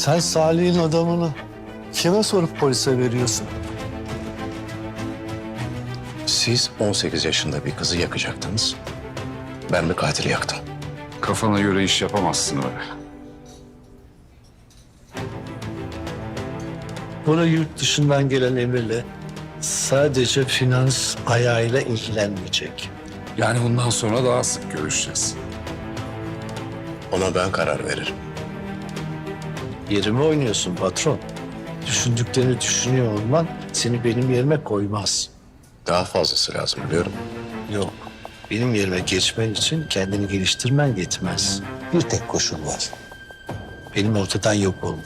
Sen Salih'in adamını kime sorup polise veriyorsun? Siz 18 yaşında bir kızı yakacaktınız. Ben bir katili yaktım. Kafana göre iş yapamazsın öyle. Buraya yurt dışından gelen emirle sadece finans ayağıyla ilgilenmeyecek. Yani bundan sonra daha sık görüşeceğiz. Ona ben karar veririm. Yerime oynuyorsun patron. Düşündüklerini düşünüyor olman seni benim yerime koymaz. Daha fazlası lazım biliyorum. Yok. Benim yerime geçmen için kendini geliştirmen yetmez. Bir tek koşul var. Benim ortadan yok olmam.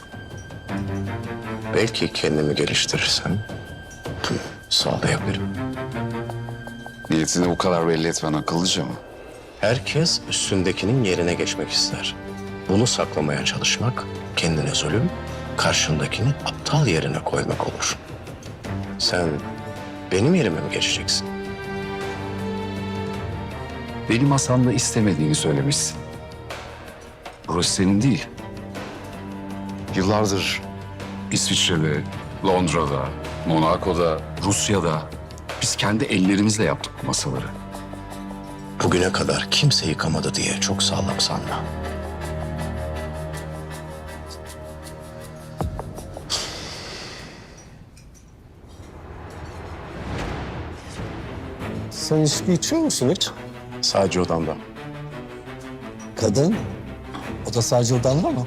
Belki kendimi geliştirirsem sağlayabilirim. Niyetini bu kadar belli etmen akıllıca mı? Herkes üstündekinin yerine geçmek ister. Bunu saklamaya çalışmak kendine zulüm, karşındakini aptal yerine koymak olur. Sen benim yerime mi geçeceksin? Benim masamda istemediğini söylemişsin. Burası senin değil. Yıllardır İsviçre'de, Londra'da, Monaco'da, Rusya'da biz kendi ellerimizle yaptık bu masaları. Bugüne kadar kimse yıkamadı diye çok sağlam sanma. Sen içki içiyor musun hiç? Sadece odamda. Kadın? O da sadece odanda mı?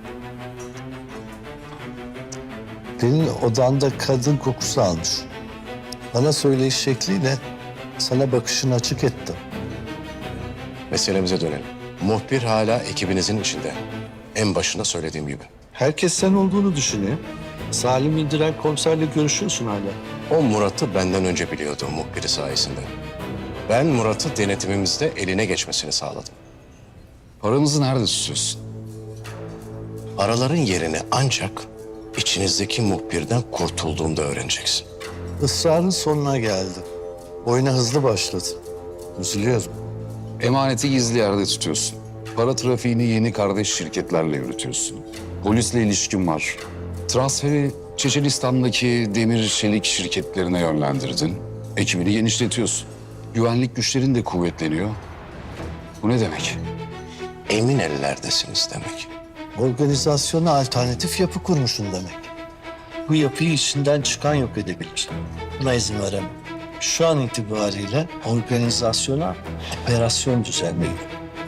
Senin odanda kadın kokusu almış. Bana söyleyiş şekliyle sana bakışını açık ettim. Meselemize dönelim. Muhbir hala ekibinizin içinde. En başında söylediğim gibi. Herkes sen olduğunu düşünüyor. Salim İndiren komiserle görüşüyorsun hala. O Murat'ı benden önce biliyordu muhbiri sayesinde. Ben Murat'ı denetimimizde eline geçmesini sağladım. Paramızı nerede tutuyorsun? Paraların yerini ancak içinizdeki muhbirden kurtulduğunda öğreneceksin. Israrın sonuna geldi. Oyuna hızlı başladı. Üzülüyorum. Emaneti gizli yerde tutuyorsun. Para trafiğini yeni kardeş şirketlerle yürütüyorsun. Polisle ilişkin var. Transferi Çeçenistan'daki demir çelik şirketlerine yönlendirdin. Ekibini genişletiyorsun. Güvenlik güçlerin de kuvvetleniyor. Bu ne demek? Emin ellerdesiniz demek. Organizasyona alternatif yapı kurmuşsun demek. Bu yapıyı içinden çıkan yok edebilir. Buna izin veremem. Şu an itibariyle organizasyona operasyon düzenliyor.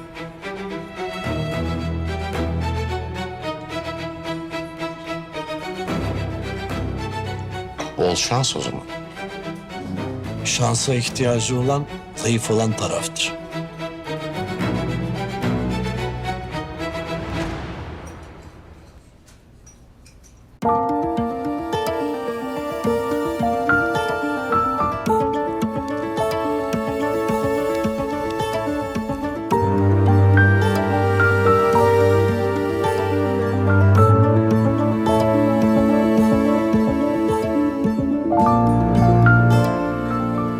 Bol şans o zaman. Şansa ihtiyacı olan zayıf olan taraftır.